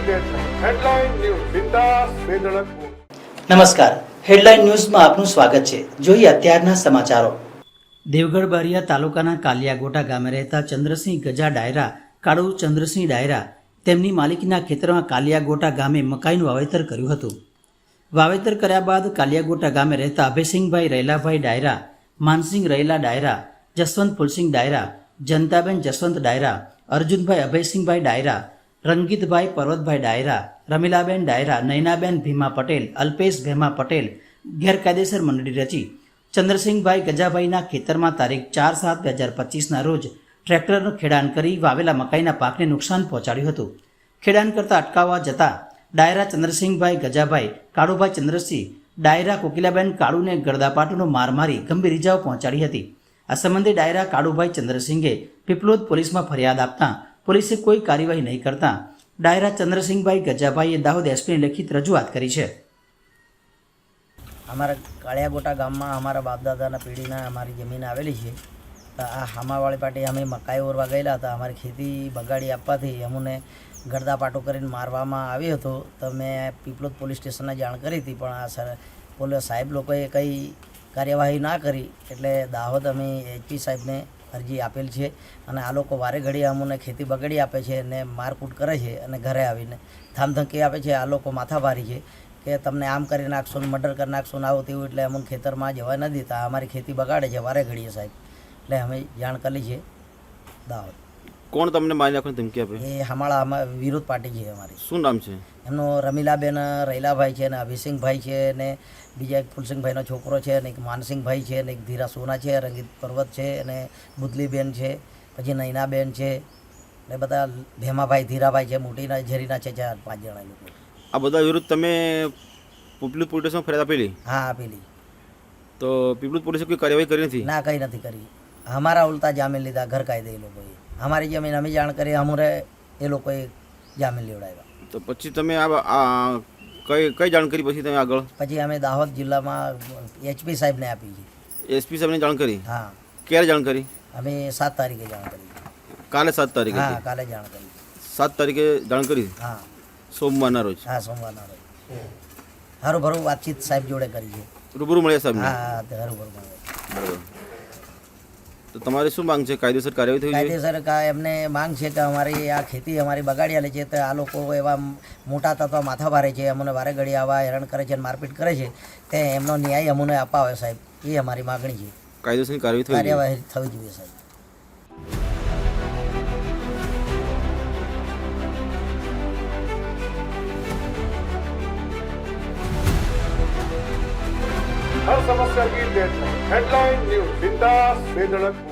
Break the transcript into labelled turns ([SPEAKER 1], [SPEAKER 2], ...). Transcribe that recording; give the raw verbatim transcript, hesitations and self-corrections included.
[SPEAKER 1] Headline news બિંદાસ બેધડક.
[SPEAKER 2] નમસ્કાર, headline ન્યૂઝમાં આપનું સ્વાગત છે. જોઈએ અત્યારના સમાચારો. દેવગઢ બારિયા તાલુકાના કાલિયાગોટા ગામે રહેતા ચંદ્રસિંહ ગજા ડાયરા કાળુ ચંદ્રસિંહ ડાયરા તેમની માલિકીના ખેતરમાં કાલિયાગોટા ગામે મકાઈનું વાવેતર કર્યું હતું. વાવેતર કર્યા બાદ કાલિયાગોટા ગામે રહેતા અભયસિંહભાઈ રૈલાભાઈ ડાયરા, માનસિંહ રૈલા ડાયરા, જસવંત ફુલસિંહ ડાયરા, જનતાબેન જસવંત ડાયરા, અર્જુનભાઈ અભયસિંહભાઈ ડાયરા, રંગીતભાઈ પર્વતભાઈ ડાયરા, રમીલાબેન ડાયરા, નૈનાબેન ભીમા પટેલ, અલ્પેશ ભેમા પટેલ ગેરકાયદેસર મંડળી રચી ચંદ્રસિંહભાઈ ગજાભાઈના ખેતરમાં તારીખ ચાર સાત બે હજાર પચીસના રોજ ટ્રેક્ટરનું ખેડાણ કરી વાવેલા મકાઈના પાકને નુકસાન પહોંચાડ્યું હતું. ખેડાણ કરતા અટકાવવા જતાં ડાયરા ચંદ્રસિંહભાઈ ગજાભાઈ, કાળુભાઈ ચંદ્રસિંહ ડાયરા કોકિલાબેન કાળુને ગળદાપાટુનો માર મારી ગંભીર ઇજાઓ પહોંચાડી હતી. આ સંબંધે ડાયરા કાળુભાઈ ચંદ્રસિંહે પીપલોદ પોલીસમાં ફરિયાદ આપતા પોલીસે કોઈ કાર્યવાહી નહીં કરતા ડાયરા ચંદ્રસિંહભાઈ ગજાભાઈએ દાહોદ એસપીને લેખિત રજૂઆત કરી છે.
[SPEAKER 3] અમારા કાળિયાગોટા ગામમાં અમારા બાપદાદાના પેઢીના અમારી જમીન આવેલી છે. તો આ હામાવાળી પાટી અમે મકાઈ ઓરવા ગયેલા હતા. અમારી ખેતી બગાડી આપવાથી અમને ગળદાપાટો કરીને મારવામાં આવ્યો હતો. તો મેં પીપલોદ પોલીસ સ્ટેશનને જાણ કરી હતી, પણ આ સર પોલીસ સાહેબ લોકોએ કંઈ કાર્યવાહી ના કરી. એટલે દાહોદ અમે એચપી સાહેબને અરજી આપેલ છે અને આ લોકો વારે ઘડી અમને ખેતી બગાડી આપે છે અને મારકૂટ કરે છે અને ઘરે આવીને ધામધમકી આપે છે. આ લોકો માથાભારી છે કે તમને આમ કરી નાખશો ને મર્ડર કરી નાખશો ને આવું તેવું, એટલે અમને ખેતરમાં જવા ન દેતા. અમારી ખેતી બગાડે છે વારે ઘડીએ સાહેબ. એટલે અમે જાણ કરી છે દાહોદ.
[SPEAKER 4] કોણ તમને મારી નાખવાની ધમકી આપે?
[SPEAKER 3] એ હમાળા વિરોધ પાર્ટી છે અમારી.
[SPEAKER 4] શું નામ છે
[SPEAKER 3] એમનો? રમીલાબેન રૈલાભાઈ છે ને અભિસિંહભાઈ છે ને બીજા એક ફુલસિંહભાઈનો છોકરો છે ને એક માનસિંહભાઈ છે ને એક ધીરા સોના છે, રંગીત પર્વત છે અને બુદલીબેન છે, પછી નૈનાબેન છે ને બધા ભેમાભાઈ ધીરાભાઈ છે, મોટીના ઝેરીના છે, ચાર પાંચ જણા લોકો.
[SPEAKER 4] આ બધા વિરુદ્ધ તમે પીપલોદ પોલીસ સ્ટેશનમાં ફરિયાદ આપેલી?
[SPEAKER 3] હા આપેલી.
[SPEAKER 4] તો પીપલોદ પોલીસે કોઈ કાર્યવાહી કરી નથી?
[SPEAKER 3] ના, કંઈ નથી કરી. અમારા ઉલટા જામીન લીધા ગેરકાયદે. એ લોકોએ અમારી જમીન અમે જાણ કરી, અમારે એ લોકોએ જામીન લેવડાવ્યા.
[SPEAKER 4] તો પછી તમે આ કઈ કઈ જાણ કરી પછી તમે આગળ?
[SPEAKER 3] પછી અમે દાહોદ જિલ્લામાં એચપી સાહેબને આપી છે.
[SPEAKER 4] એસપી સાહેબને જાણ કરી?
[SPEAKER 3] હા.
[SPEAKER 4] ક્યારે જાણ કરી?
[SPEAKER 3] અમે સાત તારીખે જાણ કરી.
[SPEAKER 4] કાલે સાત તારીખે?
[SPEAKER 3] હા, કાલે જાણ કરી.
[SPEAKER 4] સાત તારીખે જાણ કરી?
[SPEAKER 3] હા,
[SPEAKER 4] સોમવારના રોજ?
[SPEAKER 3] હા, સોમવારના રોજ. હારું ભરું વાતચીત સાહેબ જોડે કરી છે.
[SPEAKER 4] રૂબરૂ મળ્યા સાહેબ?
[SPEAKER 3] હા, હારું ભરું મળ્યા.
[SPEAKER 4] બરાબર. તો તમારી શું માંગ છે? કાયદેસર કાર્યવાહી થવી જોઈએ?
[SPEAKER 3] કાયદેસર કા એમને માંગ છે કે અમારી આ ખેતી અમારી બગાડી આલે છે. તો આ લોકો એવા મોટા તત્વ માથા ભારે છે, અમને વારે ઘડી આવા હેરાન કરે છે અને મારપીટ કરે છે. તે એમનો ન્યાય અમને અપાવે સાહેબ, એ અમારી માગણી છે.
[SPEAKER 4] કાયદેસરની કાર્યવાહી થવી જોઈએ?
[SPEAKER 3] કાર્યવાહી થવી જોઈએ સાહેબ.
[SPEAKER 1] हर समस्या की डेडलाइन. हेडलाइन न्यूज बिंदास बेधड़क.